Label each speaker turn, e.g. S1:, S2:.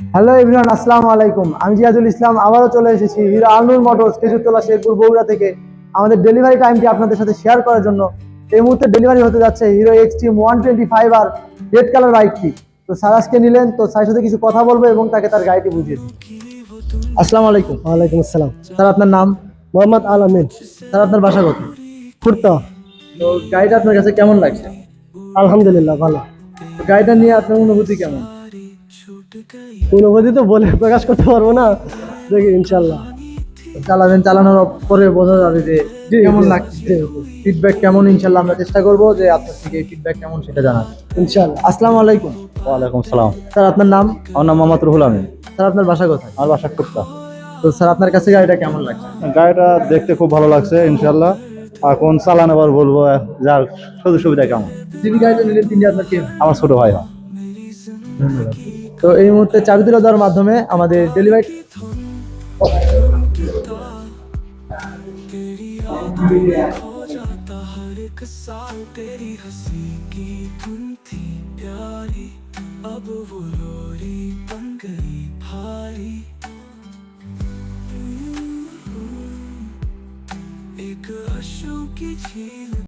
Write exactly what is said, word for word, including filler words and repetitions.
S1: Hello everyone, আসসালামু আলাইকুম। আমি জিয়াদুল ইসলাম আবারও চলে এসেছি হিরো আলনুর মোটরস খেজুরতলা শেরপুর বগুড়া থেকে আমাদের ডেলিভারি টাইমটি আপনাদের সাথে শেয়ার করার জন্য। এই মুহূর্তে ডেলিভারি হতে যাচ্ছে Hero Xtreme one twenty five আর রেড কালার বাইকটি। তো স্যার আজকে নিলেন, তো স্যারের সাথে কিছু কথা বলবো এবং তাকে তার গাড়িটি বুঝিয়ে দিই। আসসালামু আলাইকুম।
S2: ওয়ালাইকুম আসসালাম।
S1: স্যার আপনার নাম?
S2: মোহাম্মদ আল আমিন।
S1: স্যার আপনার বাসা কোথায়?
S2: কুর্তা।
S1: তো গাড়িটা আপনার কাছে কেমন লাগছে?
S2: আলহামদুলিল্লাহ ভালো।
S1: তো গাড়িটা নিয়ে আপনার অনুভূতি কেমন?
S2: অনুভূতি তো বলে প্রকাশ করতে পারবো না, দেখি ইনশাল্লাহ।
S1: চালাবেন, চালানোর পরে বোঝা যাবে যে
S2: জি,
S1: কেমন
S2: জি,
S1: লাগছে,
S2: জি,
S1: ফিডব্যাক কেমন। ইনশাল্লাহ আমরা চেষ্টা করবো যে আপনার থেকে ফিডব্যাক কেমন সেটা জানার।
S2: ইনশাল্লাহ।
S1: আসসালামু আলাইকুম।
S3: ওয়ালাইকুম সালাম।
S1: স্যার আপনার নাম?
S3: আমার নাম মোহাম্মদ রুহুল আমিন।
S1: স্যার আপনার বাসা কোথায়?
S3: আমার বাসা কুর্তা।
S1: তো স্যার আপনার কাছে গাড়িটা কেমন লাগছে?
S3: গাড়িটা দেখতে খুব ভালো লাগছে ইনশাল্লাহ। এখন চালানো আবার বলবো যার সুযোগ সুবিধা কেমন।
S1: যিনি গাড়িটা নিলেন তিনি আপনার কে?
S3: আমার ছোট ভাই হয়।
S1: ধন্যবাদ। তো এই মুহূর্তে চাবি তুলে দেওয়ার মাধ্যমে আমাদের ডেলিভারি
S4: हर एक साल तेरी हंसी की धुन थी प्यारी, अब वो लोरी बन गई भारी। एक आंसू की झील